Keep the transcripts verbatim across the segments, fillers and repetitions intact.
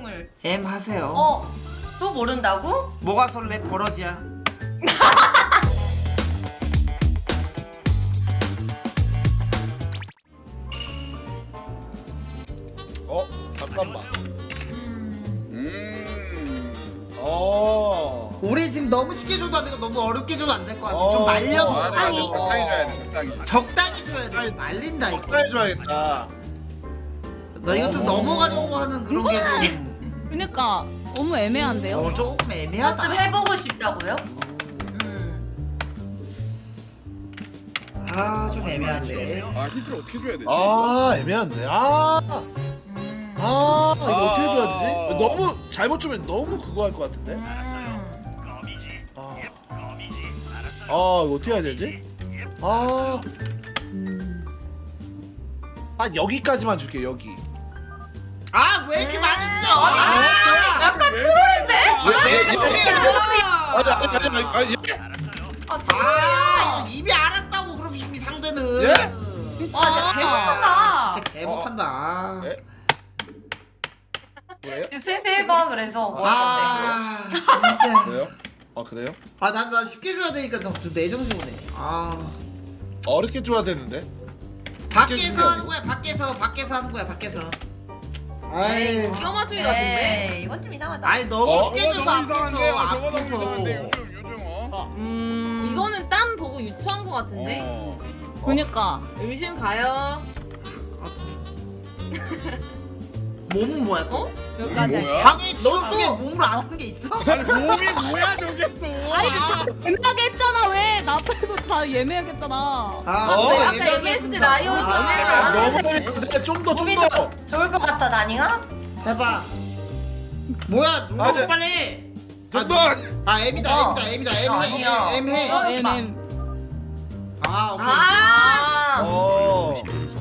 설명을. M 하세요. 어? 또 모른다고? 뭐가 설레? 버러지야. 어? 잠깐만. 음. 어. 우리 지금 너무 쉽게 줘도 안 되고 너무 어렵게 줘도 안 될 것 같아. 어, 좀 말렸어. 어, 맞아, 맞아. 적당히. 적당히 줘야 돼. 적당히. 적당히 줘야 돼. 적당히. 말린다 이거. 적당히 줘야겠다. 너 이거 좀 어. 넘어가려고 하는 그런 게 좀. 그니까 너무 애매한데요? 어, 조금 애매하다. 좀 해보고 싶다고요? 음. 아, 좀 애매한데. 아 힌트를 어떻게 줘야 되지? 아, 애매한데. 아. 음. 아, 이거 아. 어떻게 줘야 되지? 너무 잘못 주면 너무 그거 할 것 같은데. 음. 아. 아, 이거 어떻게 해야 되지? 아. 아, 여기까지만 줄게. 여기. 아, 왜 이렇게 많이 줘? 아니, 아, 약간 트롤인데? 아, 아니, 아니, 아니, 아니, 아니, 예? 아, 아, 트롤이야. 이거 이미 알았다고 그럼 이미 상대는. 예? 와, 진짜 개 못한다. 진짜 개 못한다. 예? 왜요? 세세 해봐, 그래서. 뭐 어떤데? 아, 진짜. 그래요? 아, 그래요? 아, 난, 난 쉽게 줘야 되니까 좀 내정신 오네. 아. 어렵게 줘야 되는데. 밖에서 하는 거야, 밖에서, 밖에서 하는 거야, 밖에서. 아이, 기가 맞추기 같은데? 에이, 이건 좀 이상하다. 아니 너무 어? 쉽게 저거 줘서 너무 이상한데? 앞에서, 아, 저거 너무 앞에서. 이상한데 요즘 요즘 어? 음. 이거는 땀 보고 유추한 거 같은데? 어. 그니까. 의심 가요. 몸은 뭐야 또? 어? 여기까지. 뭐야? 방에 지금 너 중에 또- 몸으로 안 하는 게 있어? 아니 몸이 뭐야 저게 또? 아니 애매하게 했잖아 왜? 나 빼고 다 예매하게 했잖아. 아, 어? 네, 아까 애매하게 얘기했을 때 했습니다. 나이오도 아, 내가. 너무 어렵게 좀더 좀 몸이 더. 좀 좋을 것 같아, 나닝아? 해봐. 뭐야, 아, 너무 네. 빨리. 좀 더. 아, M이다, 어. M이다, M이다, M 해, 아니야. M 해. 어, M M. 아, 오케이. 아, 어.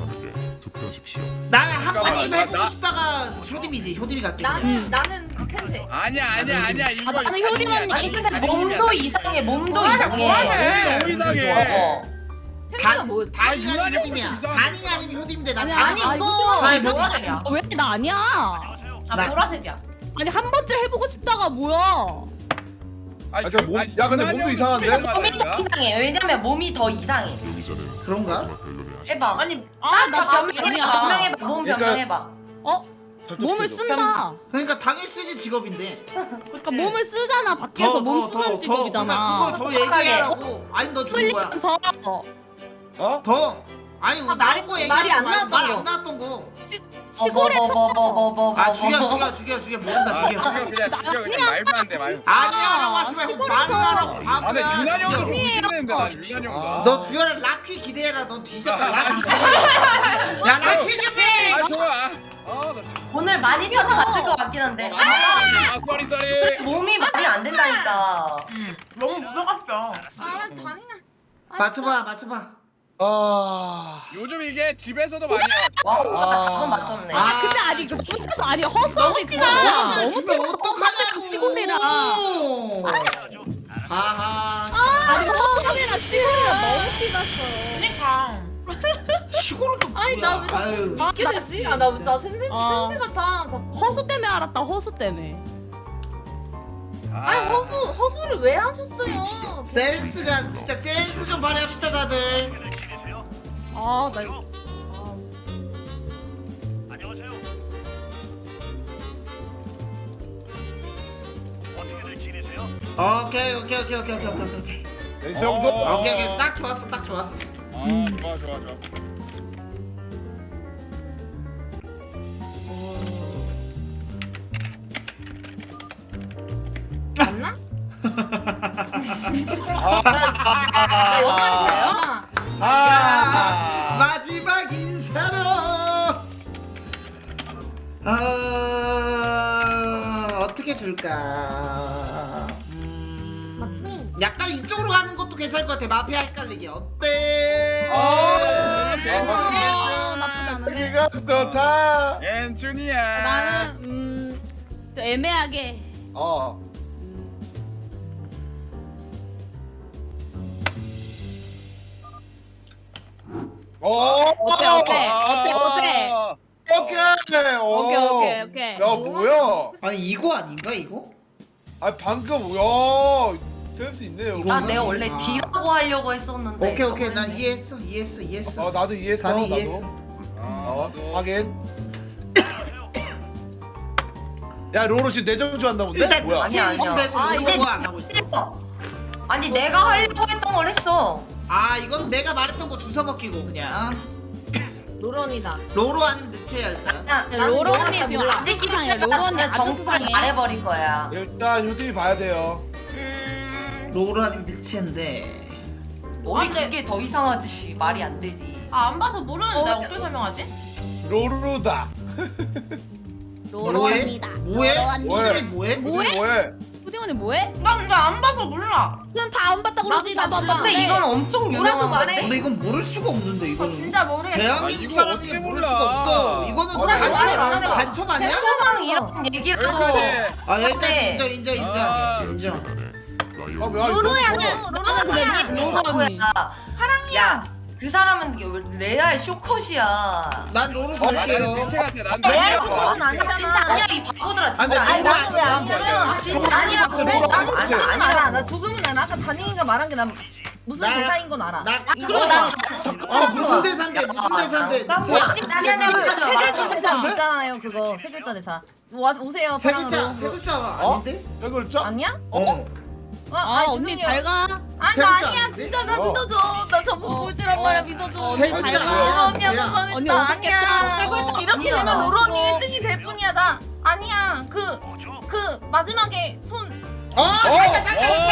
나는 한 잠깐만, 번쯤 나- 해보고 나- 싶다가 효dim이지, 효dim이 갈게. 나는, 나는 펜세. 아니야 아니야 아니야 이거. 아, 나는 효디만 아니, 근데 몸도 이상해, 몸도 이상해. 몸이 너무 이상해. 어. 펜세가 뭐? 다닝이 아, 아니면 유난히 효dim이야. 이상해. 다닝이 아니면 효dim인데 난 아니 다닝. 아니, 이거. 아니, 뭐 뭐- 하냐? 왜 나 아니야? 아, 나- 보라색이야. 아니 한 번쯤 해보고 싶다가 뭐야? 아니, 아, 근데 몸- 야, 근데 몸도 이상한데? 몸이 더 이상해. 왜냐면 몸이 더 이상해. 그런가? 해봐. 아니, 아, 나 변명해봐, 아니야. 변명해봐, 몸 그러니까- 변명해봐. 어? 몸을 쓴다. 그러니까 당일 쓰지 직업인데. 그러니까 몸을 쓰잖아 밖에서 몸 쓰는 직업이잖아. 그러니까 그걸 더 얘기하라고. 아니 너 죽은 거야. 풀리면서 어? 더. 아니 아, 다른 거 말이 얘기하지 안 말- 나왔던 말 거. 안 나왔던 거. 시골에서 뭐, 아 죽여 죽여 죽여 죽여 모른다 아, 죽여. 죽여 그냥 죽여 그냥 말도 안돼 말. 아니야라고 하지 말고 시골에서. 말을 하라고 아 근데 바보야. 유난히 형도 죽여. 무시했는데 난 유난히 형다. 너 죽여라. 라퀴 기대해라. 넌 뒤졌다. 아, 라퀴 기대해. 야 라퀴 준비. 아 좋아. 아나 진짜. 오늘 많이 찾아갔을 것 같긴 한데. 아 쏘리 쏘리. 몸이 많이 안 된다니까. 너무 묻어갔어. 아, 다닝아. 아, 맞춰봐 맞춰봐. 아. 요즘 이게 집에서도 많이 와. 와, 아. 그건 맞췄네. 아. 근데 아니 그 붙여서 아니 허수아비 그거 아, 너무 주면 어떡하냐고. 시골이라. 아하. 아니 허수아비랑 시골이랑 너무 티났어요. 그러니까. 시골은 또 아니, 뭐야. 나 왜 자꾸 아유. 이렇게 됐지? 아, 나 진짜 센세, 아. 센세 같아. 자꾸. 허수 때문에 알았다 허수 때문에. 아니, 허수, 허수를 왜 하셨어요? 센스가 진짜 센스 좀 발휘합시다 다들. 아나 이거. 오케이 오케이 오케이 오케이 오케이 오케이 오케이. 이 정도? 어. 오케이 오케이 딱 좋았어 딱 좋았어. 아 좋아 좋아 좋아. 맞나? 아. 나 영화는 돼요? 아. 마지막 인사로. 어 어떻게 줄까? 음, 약간 이쪽으로 가는 것도 괜찮을 것 같아. 마피아 헷갈리게 어때? 아. 아, 나쁘지 않은데. 기가 좋다. 엔준이야. 나는 음, 좀 애매하게. 어. 어. 어때, 어때? 어때, 어때? 오케이. 어. 오케이 오케이 오케이. 야 뭐야? 아니 이거 아닌가 이거? 아 방금 야 센스 있네요. 이거- 아 내가 원래 아. D라고 하려고 했었는데. 오케이 오케이 난 이해했어 이해했어 이해했어. 아 나도 이해했어. 다니 나도. 이해했어. 어 하긴. 야 로로 지금 내정주 한다 본데? 일단 뭐야? 아니야, 아니야. 진공되고 아, 이거 이게 안 하고 있어. 아니 내가 하려고 했던 걸 했어. 아 이건 내가 말했던 거 주워 먹기고 그냥. 노런이다. 로로 아니면 늑체야 일단. 그냥 나는 로로 영화 언니 잘 지금 몰라. 아직 찍기를 수상해. 로로 언니 그냥 아주 정수를 수상해. 말해버릴 거야. 일단 효팀이 봐야 돼요. 음. 로로 아니면 늑체인데. 우리 그게 더 이상하지. 말이 안 되지. 아 안 봐서 모르는데 어떻게 설명하지? 로로다. 뭐해? 뭐해? 로로 뭐해? 이름이 뭐해? 뭐해? 뭐해? 후디 언니 뭐해? 나 근데 안 봐서 몰라. 그냥 다 안 봤다 그러지. 나도 나도 안 잘 봤는데. 근데 이건 엄청 뭐라도 유명한 말해. 건데. 근데 이건 모를 수가 없는데 아, 이거는. 진짜 모르겠어. 대한민국 아, 이거 사람이 어떻게 모를 몰라. 수가 없어. 이거는 뭐라도 반초 말해, 말해. 반초 아니야? 세상 이런 얘기를 하고. 여기까지. 아 여기까지 네. 인정 인정 인정 아. 인정. 아, 야, 로로야, 이거 너. 나는 아, 그래. 로로야. 로로 언니. 야, 그 사람은 이게 왜 레알 쇼컷이야. 난 로로 어, 나는 갈게요. 늑체 같아. 난 레알 늑체 같아. 쇼컷은 야, 진짜 아니잖아. 아니야 이 바보들아 진짜 아니, 아니야. 아니, 나는 왜 아니, 아니냐면 아니, 진짜 아니라고. 아니, 나는 아니, 조금은 아니라고. 알아. 나 조금은 알아. 아까 다니가 말한 게 난 무슨 나- 대사인 건 알아. 나 그럼 나 어 무슨 대사인데 무슨 대사인데 나 늑체. 뭐야? 아니, 아니, 아니, 그 맞아, 세 글자 맞아. 대사 있잖아요. 그거 세 글자 대사. 와 오세요. 세 글자 사랑으로. 세 글자 어? 아닌데? 세 글자? 아니야? 어. 어, 아 아니, 언니 죄송해요. 잘 가. 아니 세 나 글자 아니야 아닌데? 진짜 나 어. 믿어줘. 나 저보고 어. 꼴찌란 어. 말이야 믿어줘. 어, 세 잘 글자 가. 로로 언니 아니야. 한번 언니 나 오겠겠다. 아니야. 어, 이렇게 아니야. 되면 로로 언니 어. 일 등이 될 뿐이야. 나 아니야. 그 그 마지막에 손 어? 살려,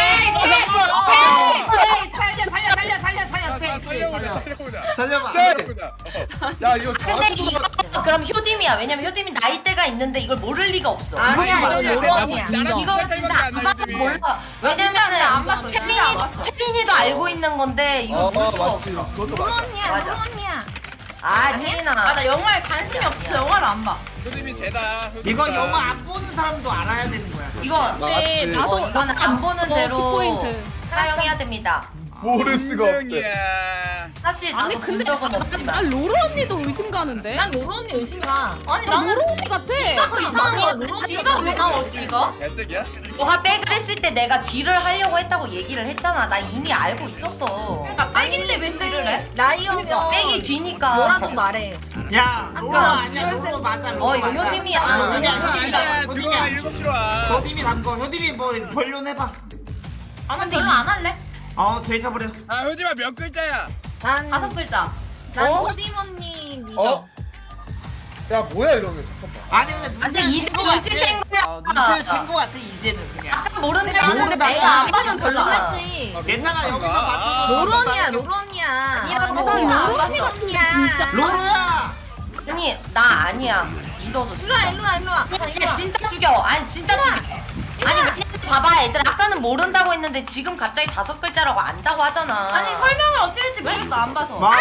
살려 살려 살려 살려 살려보자. 살려 살려보자. 살려봐. 네. 살려보자. 야 이거 근데 다시 이거 그럼 효dim이야. 왜냐면 효dim이 나이대가 있는데 이걸 모를 리가 없어. 아니야 이거 이거 로로 언니야. 나랑 이거 진짜 진짜 차이밖에 안 안 봐도 나지. 몰라. 진짜 왜냐면은 안 봤어, 진짜 안 봤어. 채린이도 알고 있는 건데 이거 어 모를 수가 맞지. 없어. 그것도 로로 맞아. 언니야. 맞아. 로로 언니야. 아 채린아. 아 나 영화에 관심이 없어서 영화를 안 봐. 효dim이 쟤다. 이거 효dim이다. 영화 안 보는 사람도 알아야 되는 거야. 사실. 이거 맞지. 네, 나도 어, 이거는 안 보는 그 죄로 포인트. 사용해야 됩니다. 모를 수가 없대. 인정이야. 사실 아니 나도 본 근데 적은 난 없지만. 로로 언니도 의심 가는데. 난 로로 언니 의심이라. 아니 나 나는 로로 언니 같아. 그 이상한 거야. 로로 언니가 왜 나와 어디가? 갈색이야? 너가 백을 했을 때 내가 뒤를 하려고 했다고 얘기를 했잖아. 나 이미 알고 있었어. 그러니까 백인데 왜 뒤를 해? 라이어면 백이 뒤니까. 뭐라도 말해. 야 로로 아까 아니야 로로 맞아. 어, 이거 맞아. 효dim이야. 아, 효dim이야 들어와 효dim이야 효dim이야. 일곱 시로 와. 효dim이 담거 효dim이 뭐 벌려내봐. 아나 별로 안 할래. 어 되잡으려. 아 효dim아 몇 글자야? 난 다섯 글자. 난 어? 호dim 언니 믿어. 어? 야 뭐야 이러면 잠깐만. 아니 근데 아니 눈치를 이제 챈거 눈치 같아. 챈 거야. 어, 눈치를 챈거 같아 이제는 그냥. 아까 모른다 그냥 하는데 모른다. 내가 안 하면 봐면 별로겠지. 괜찮아 여기서 아, 맞춰줘. 로로 언니야 로로 언니야. 아니라고. 나 진짜 안 로로 봤어. 언니가 언니야. 로로야. 아니 나 아니야. 믿어도 일로 와 일로 와 일로 와. 아, 일로 야 와. 진짜 죽여. 아니 진짜 죽여. 아니 왜냐면 봐봐 애들 아까는 모른다고 했는데 지금 갑자기 다섯 글자라고 안다고 하잖아. 아니 설명을 어떻게 할지 모르겠어 안 봐서. 마.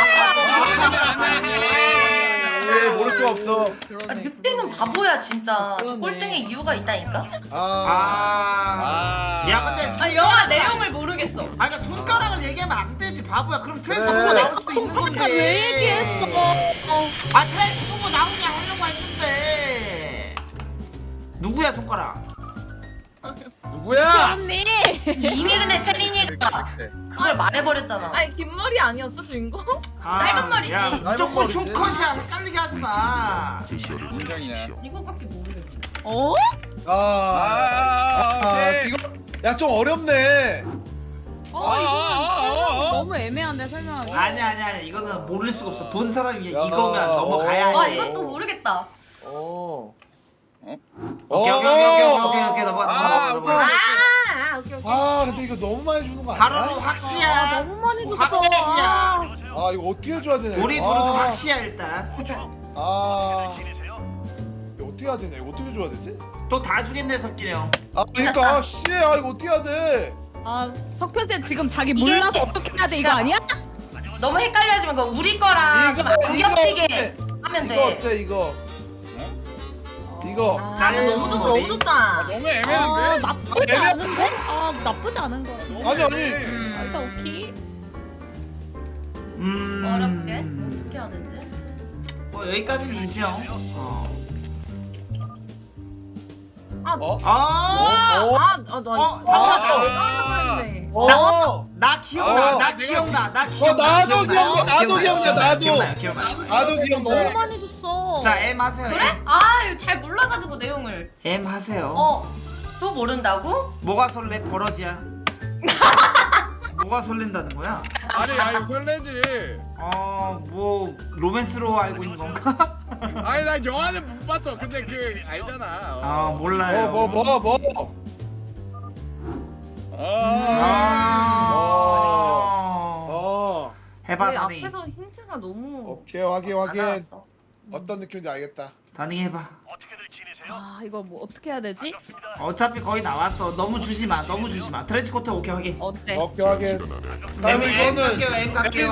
왜 모를 수가 없어. 아, 늑대는 바보야 진짜. 저 그러네. 꼴등에 이유가 있다니까. 아. 아. 아. 야 근데 아 영화 내용을 모르겠어. 아 그러니까 손가락을 얘기하면 안 되지 바보야. 그럼 그래. 트랜스포머 나올 수도 있는 건데. 손가락 왜 얘기했어? 어. 아 트랜스포머 나오게 하려고 했는데. 누구야 손가락? 누구야? 언니. 이미 근데 채린이가 그걸 말해버렸잖아. 아니 긴 머리 아니었어 주인공? 아, 짧은 머리지. 야 무조건 머리지. 총컷이야. 헷갈리게 하지 마. 인정이야. 이거밖에 모르겠어. 어? 아. 아, 아 오케이. 이거 야 좀 어렵네. 아, 아, 아, 아. 너무 애매한데 설명하기. 아니 아니 아니 이거는 모를 수가 없어. 본 사람이 야. 이거면 넘어가야 해. 아 이것도 모르겠다. 어. 어? 오케이 오케이 오케이 오케이 오케이 오케이 넘어가 아, 넘어가 오케이. 넘어가. 아 오케이 오케이. 아 근데 이거 너무 많이 주는 거 바로는 아니야? 확시야. 아, 너무 많이 줬어. 확시야. 아 이거 어떻게 해줘야 되냐? 우리 이거. 둘은 아. 확시야 일단. 아. 이거 어떻게 해야 되냐? 이거 어떻게 줘야 되지? 또 다 주겠네 석기리 형. 아 그러니까 씨, 아 이거 어떻게 해야 돼? 아 석현쌤 지금 자기 몰라서 어떻게 해야 돼 이거 아니야? 너무 헷갈려하지 말고 우리 거랑 좀 안겹치게 어때? 하면 이거 돼. 어때 이거? 이거. 나는 너무 좋다 너무 좋다. 아, 너무 아, 애매한데? 나쁘지 애매한- 않은데? 아 나쁘지 않은 거야. 너무 아니, 아니. 애매해. 아, 일단 오케이. 음. 어렵게 어떻게 해야 되지? 뭐 여기까지는 인정. 어. 아, 어? 아, 어? 아, 아, 나 어, 잠깐만. 아. 네. 어. 나 기억나, 어, 나 내가- 기억나, 나 어, 기억나. 나도 기억나, 나도 기억나, 나도. 기억나요, 기억나요. 나도 너무 기억나. 많이 줬어. 자, M 하세요. 그래? M. 아 이거 잘 몰라가지고 내용을. M 하세요. 어? 또 모른다고? 뭐가 설레? 버러지야. 뭐가 설렌다는 거야? 아니 아니 설레지. 어, 뭐 로맨스로 알고 있는 건가? 아니 나 영화는 못 봤어. 근데 그 알잖아. 아, 몰라요. 뭐, 뭐, 뭐, 뭐. 아. 아. 어. 해봐, 왜 다니. 앞에서 힌트가 너무 오케이, 확인, 안 확인. 나왔어. 어떤 느낌인지 알겠다. 다니 해봐. 아 이거 뭐 어떻게 해야 되지? 어차피 거의 나왔어. 너무 주지 마. 너무 주지 마. 트렌치 코트 오케이 확인. 어때? 오케이, 확인. M 다음에 M 이거는 갈게요. M 갈게요.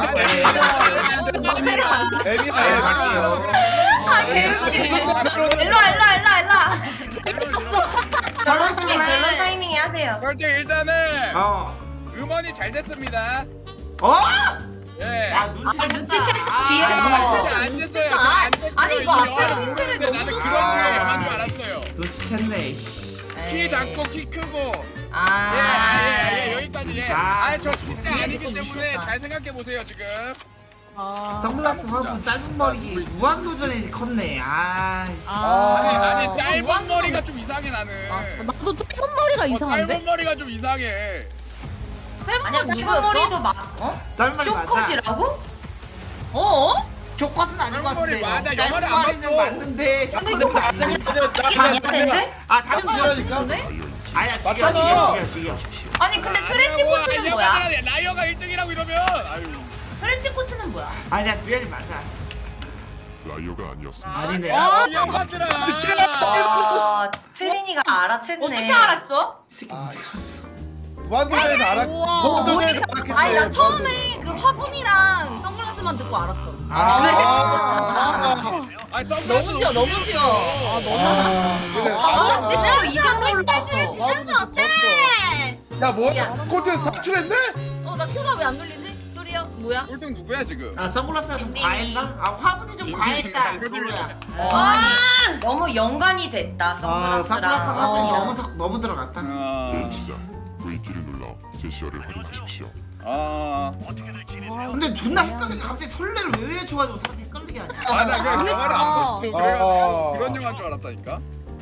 애미야, M 애미야. 갈게요. 아 개웃기네. 일로와 일로와 일로와 일로와. 저런 중에 그런 타이밍에 하세요. 그럴 때 일단은 어. 음원이 잘 됐습니다. 어? 예. 야, 눈치 아, 챘다. 눈치챘어, 아, 뒤에서. 아, 진짜 안 됐어요. 아, 안 됐어요. 아니, 이거 앞에 영화는 힌트를 모르는데 너무 나는 줬어. 그런 류의 영화인 줄 알았어요. 눈치챘네. 씨. 키 작고 키 크고. 아, 예, 아, 예, 예, 여기까지 예. 아, 아, 저 진짜 아니기 좀 때문에 미쳤다. 잘 생각해 보세요 지금. 아. 선글라스 화분 짧은 머리 무한도전이 컸네. 아, 씨. 아. 아니, 아니 어, 짧은 무한도전- 머리가 좀 이상해 나는. 나도 짧은 머리가 어, 이상한데? 짧은 머리가 좀 이상해. 아니야, 짧은 짧은 머리도 막, 어? 짧은 머리 맞아. 쇼컷이라고? 어? 교과서는 아닌 것 짧은 머리 같은데. 맞아, 짧은 영화를 안 머리는 봤어. 맞는데. 근데 교과서는 이거 아니야. 이게 아니야, 샌드? 아, 다른 그러니까. 근데? 아야, 죽여, 맞잖아. 죽여, 죽여, 죽여. 아니 근데 트렌치 아니야, 코트는 아니야, 뭐야? 아니야, 라이어가 일 등이라고 이러면. 아유. 트렌치 코트는 뭐야? 아니야, 두열이 맞아. 라이어가 아니었습니다. 아니네. 아, 이 양반들아. 아, 채린이가 알아챘네. 어떻게 알았어? 이 새끼 어디 갔어? 무한도전에서 알았. 우와. 무한도전에서 알았겠어요. 아니 나 처음에 그 화분이랑 선글라스만 듣고 알았어. 아, 아. 아니, 너무 선글라스 쉬워, 너무 쉬워. 아, 그래. 아, 진짜 이걸 몰랐어. 화분이 어때? 야, 뭐야? 꼴등 탈출했네? 어, 나 큐가 왜 안 눌리지? 소리야, 뭐야? 꼴등 누구야 지금? 아, 선글라스가 좀 과했나? 아, 화분이 좀 과했다. 그거야. 어, 아니, 너무 연관이 됐다, 아, 선글라스랑. 선글라스 화분이 어. 너무 석- 너무 들어갔다. 아, 시작. V키를 눌러 제시어를 확인하십시오. 아, 근데 존나 헷갈리게 갑자기 설레를 왜 외쳐가지고 사람이 헷갈리게 하냐? 아, 나 그 영화를 안 봤어. 그래가지고 아. 그런 영화인 줄 알았다니까.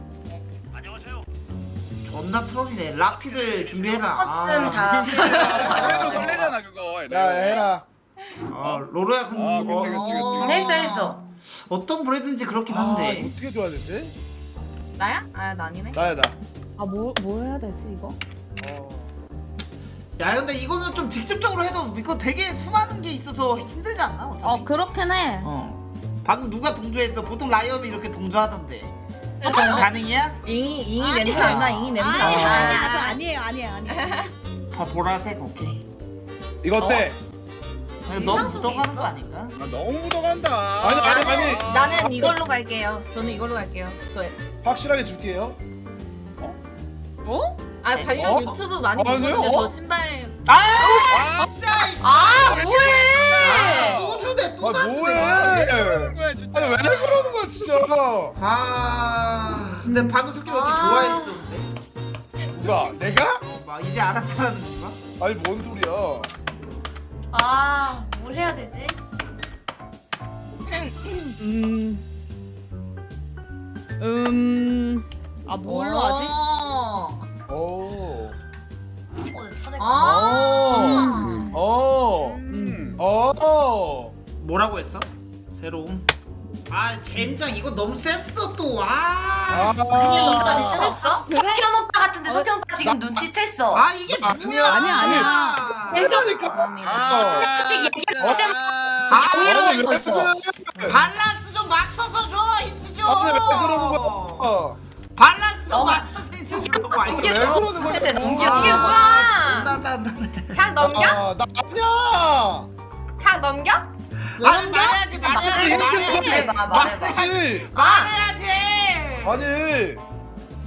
존나 트롤이네. 락피들 준비해라. 좀 다. 그래도 설레잖아 그거. 야, 해라. 아, 로로야 근데 아, 그치, 그치, 어, 그치. 했어, 했어. 어떤 브랜드인지 그렇긴 아, 한데. 이거 어떻게 줘야 되지? 나야? 아, 나 아니네. 나야, 나. 아뭘 뭘 해야 되지 이거? 어. 야, 근데 이거는 좀 직접적으로 해도 이거 되게 수많은 게 있어서 힘들지 않나? 어차피. 어 그렇긴 해. 어. 방금 누가 동조했어? 보통 라이엄이 이렇게 동조하던데. 가능이야? 잉이 잉이 냄새 난다. 잉이 냄새 아니 난다. 아니 아니 아니에요 아니에요 아니에요. 다 보라색 오케이. 이거 어때? 너무 묻어가는 거 아닌가? 아, 너무 묻어간다. 아니, 아니, 아니. 나는 이걸로 갈게요. 저는 이걸로 갈게요. 저 확실하게 줄게요. 어? 아 관련 어? 유튜브 많이 아니요? 보거든요. 어? 저 신발. 아, 진짜! 아, 뭐해! 또 주네, 또 아, 주네. 뭐해? 뭐야 진짜. 아니, 왜 그러는 거야, 진짜? 아, 근데 방금 솔직히 왜 이렇게 아. 좋아했었는데? 누가? 내가? 막 이제 알았다는 건가? 아니, 뭔 소리야? 아, 뭘 해야 되지? 음. 음. 아 뭘로 하지? 어. 오. 어, 찾을까? 아. 어. 음. 어. 뭐라고 했어? 새로운. 아, 젠장 이거 너무 셌어 또. 아. 아. 아니, 이거 있어 없어? 석현 오빠 같은데 석현 오빠 지금 눈치챘어. 아, 이게 뭐야? 아니야, 아니야. 그러니까. 감사합니다. 아, 혹시 얘기할 때마다 아, 아니, 이러고 왜 있어. 그래? 밸런스 좀 맞춰서 줘, 힌트 좀. 아니, 왜 그러는 거야? 밸런스 좀 너무- 맞춰서 힌트 주려고 왜 알겠어. 그러는 거야? 근데 넘겨. 이게 뭐야? 나 짠다네. 그냥 넘겨? 아, 나 아니야. 그냥 넘겨? 아니, 말해야지, 말해야지, 말해, 말해야지. 말해봐, 말해봐. 맞지? 말해야지. 아니.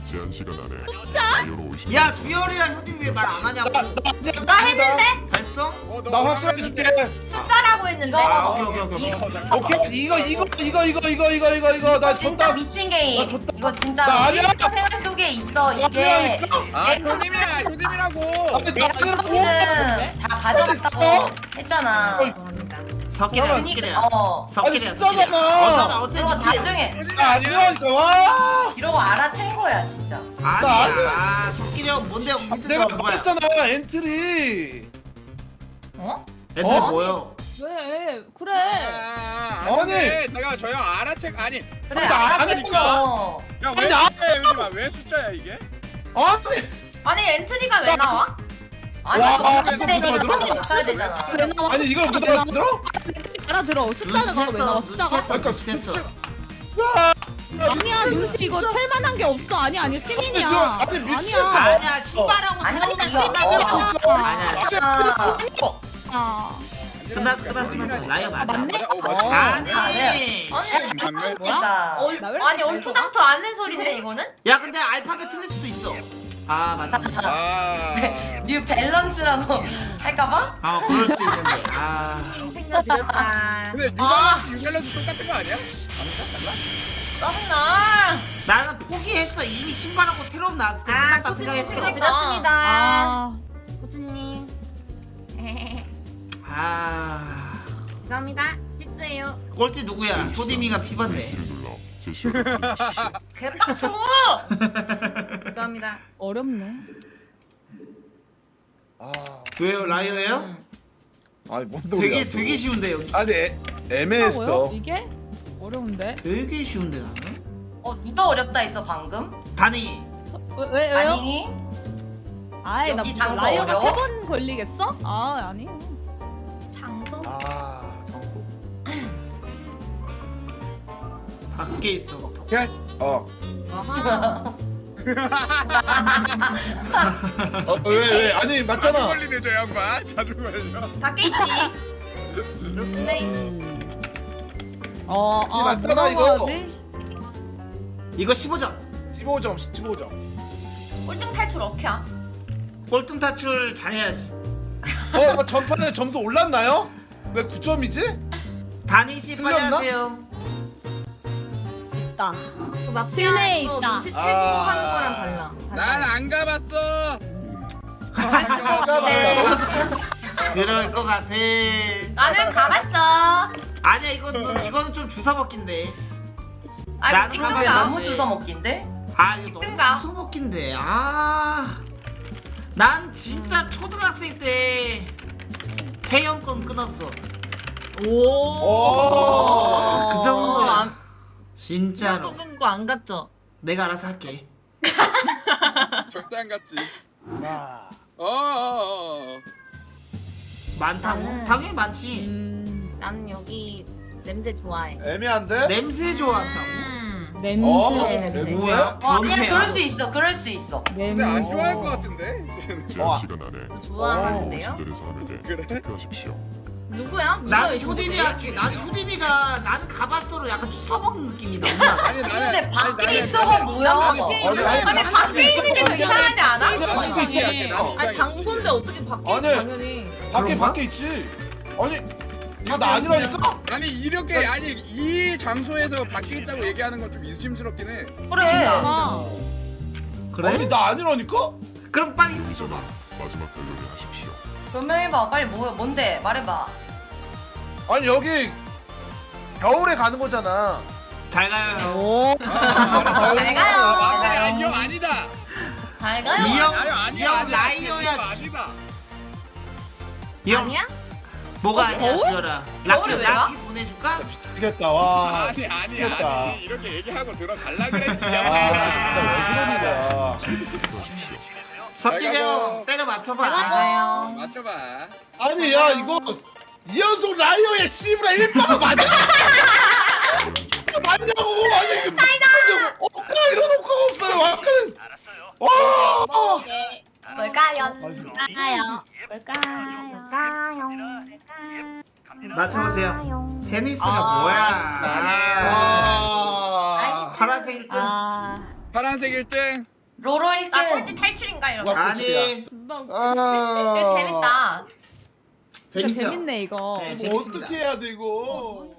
제한 시간 안에 라이어로 오시면 야 주열이랑 효딘이 왜 말 안 하냐고. 나 했는데? 했어? 어, 너 나 확실하게 줄게. 숫자라고 했는데. 아 오케이 오케이 오케이. 오케이. 오케이 이거 이거 이거 이거 이거 이거 이거 이거 나 진짜 졌다. 미친 게임. 나 줬다. 이거 진짜 나 아니야. 우리 생활 속에 있어. 이게 아니라니까? 아 효님이야 효님이라고. 아니, 내가 나 시즌 다 가져갔다고 했잖아. 석기래야 그러니까 석기래야. 어 석기래야 아니, 석기래야. 숫자잖아. 어쩌면 그리고 어쨌든 나중에 효님이 나 아니야. 아니라니까 와. 이러고 알아챈 거야 진짜. 아니야. 석기래야 뭔데 내가 밑에서 뭐야? 말했잖아 엔트리. 어? 애들 어? 뭐요? 왜 그래? 아, 아니. 아니 잠깐 저형 알아채 아니 그래 나 알아챘어. 야왜 아니, 나- 숫자야 효님아 왜 숫자야 이게? 아니 아니 엔트리가 왜 나와? 아니 와, 너 지금 근데 이거 들어? 빨리 맞춰야 되잖아. 왜 나와? 아니 이걸 못 알아들어? 알아들어. 숫자는 왜 나와? 눈치챘어 숫자가? 눈치챘어 그러니까 눈치챘어. 아니야 윤씨 이거 텔만한 게 없어. 아니 아니 시민이야. 아니, 미친 아니야. 아니야 신발하고 아니, 새로운 아니, 신발 이거- 아니야. 아, 아. 끝났어 끝났어 끝났어. 라이어 맞아. 맞네? 어 맞아. 아니. 아니. 맞네. 그러니까 얼, 나왜 아니 이렇게 얼토당토 않는 소리인데 이거는? 야 근데 알파벳 틀릴 수도 있어. 아 맞아. 아. 뉴 밸런스라고 할까봐? 아 그럴 수도 있는데. 아. 생각드렸다. 근데 유발란스 유발란스 똑같은 거 아니야? 짜증나. 나는 포기했어. 이미 신발하고 새로운 나왔을 때 아 끝났다 코치님 생각했어. 생각드렸습니다. 아. 코치님. 아. 죄송합니다. 실수예요. 꼴찌 누구야? 효디미가 피봤네. B를 눌러 제시어를 확인하십시오. 개빡쳐. 죄송합니다. 어렵네. 아 왜요? 라이어예요? 아니 뭔 소리야? 되게 되게 쉬운데 여기. 아니 애, 애매했어. 뭐요? 이게 어려운데? 되게 쉬운데 나는. 어 누가 어렵다 했어 방금? 단이. 왜, 왜 왜요? 아니 아이 나 여기 장소 라이어가 어려워? 세 번 걸리겠어? 아 아니. 장소? 아 정보. 밖에 있어. 오케이. 어. 아하. 어왜 왜? 아니 자주 맞잖아. 걸리네 저 양반 자주 걸려. 밖에 있지. 그렇네. 어, 이게 아, 맞잖아, 뭐라고 이거. 하지? 이거 십오 점. 십오 점 십오 점. 꼴등 탈출 어케야? 꼴등 탈출 잘해야지. 어 뭐 전판에 점수 올랐나요? 왜 구 점이지? 단이 씨 빨리 틀렸나? 하세요. 있다. 그 실내에 마피아에서 있다. 눈치 채고 아. 하는 거랑 달라. 난 안 가봤어. 그럴 것 같아. 나는 가봤어. 아니야 이건 이거는 좀 주워 먹긴데. 아 나는 이거 그게 찍든가. 너무 주워 먹긴데? 아 이거 너무 뜬다. 주워 먹긴데. 아. 난 진짜 초등학생 때 회원권 끊었어. 오. 그 정도야. 안- 진짜로. 끊고 안 갔죠? 내가 알아서 할게. 절대 안 갔지. 아. 어어어. 많다고? 나는- 당연히 많지. 음, 나는 여기 냄새 좋아해. 애매한데? 냄새 좋아한다고? 음. 냄새. 어? 냄새. 뭐야? 어 아니야 변태야? 그럴 수 있어 그럴 수 있어. 냄새. 근데 안 좋아할 것 같은데. 제한 시간 안에 좋아하는데요? 오시들의 사람에게 그래? 투표하십시오. 누구야? 누가 나는 이거 효딘이 누구지? 할게. 나는 효딘이가 나는 가바서로 약간 주워 먹는 느낌이 너무 났어. 아니 나는 근데 밖에 아니, 있어가 나는- 뭐야? 나는 밖에 밖에 있어. 있어. 아니 밖에 있는 게 더 이상하지 않아? 아니, 나는 밖에 있지. 밖에 할게, 나는 아니 이상해. 장소인데 어떻게 밖에 아니. 있지 당연히. 밖에 그런가? 밖에 있지. 아니 이거 나 아니라니까? 아니 이렇게 아니 이 장소에서 밖에 있다고 얘기하는 건 좀 의심스럽긴 해. 그래. 아, 그래? 아니 나 아니라니까? 그럼 빨리 줘봐. 마지막 결론을 하십시오. 변명해봐 빨리 뭐 뭔데 말해봐. 아니 여기 겨울에 가는 거잖아. 잘 가요. 오. 아, 잘 가요. 아, 맞네. 이 형 아니다. 잘 가요. 이 형, 아니 이 아니야 형 아니야. 라이어야. 이 형 아니다. 이 형, 아니야? 뭐가 어, 아니야, 겨울? 주열아. 라키, 겨울에 왜 가? 라키 보내줄까? 미치겠다 와. 아니 아니 미치겠다. 아니 이렇게 얘기하고 들어갈라 그랬지. 아 진짜 왜 그러는 거야? 투표하십시오. 석기가 잘 가요. 형 때려 맞춰봐. 가요. 맞춰봐. 아니 야 이거 이연속 라이어의 씨브라 일바가 맞아? 맞냐고 아니 이게 맞냐고 없까 이런 없까 없어요 아까는 와 뭘까요? 뭘까요? 뭘까요? 뭘까요? 맞춰보세요. 테니스가 아. 뭐야? 아. 파란색 일 등. 아. 파란색 일 등. 로로 일 등. 나 꼴찌 탈출인가 이러면. 와, 아니 진짜 웃겨. 아. 이거 재밌다. 진짜 재밌죠? 재밌네 이거. 네, 이거 재밌습니다. 어떻게 해야 돼 이거?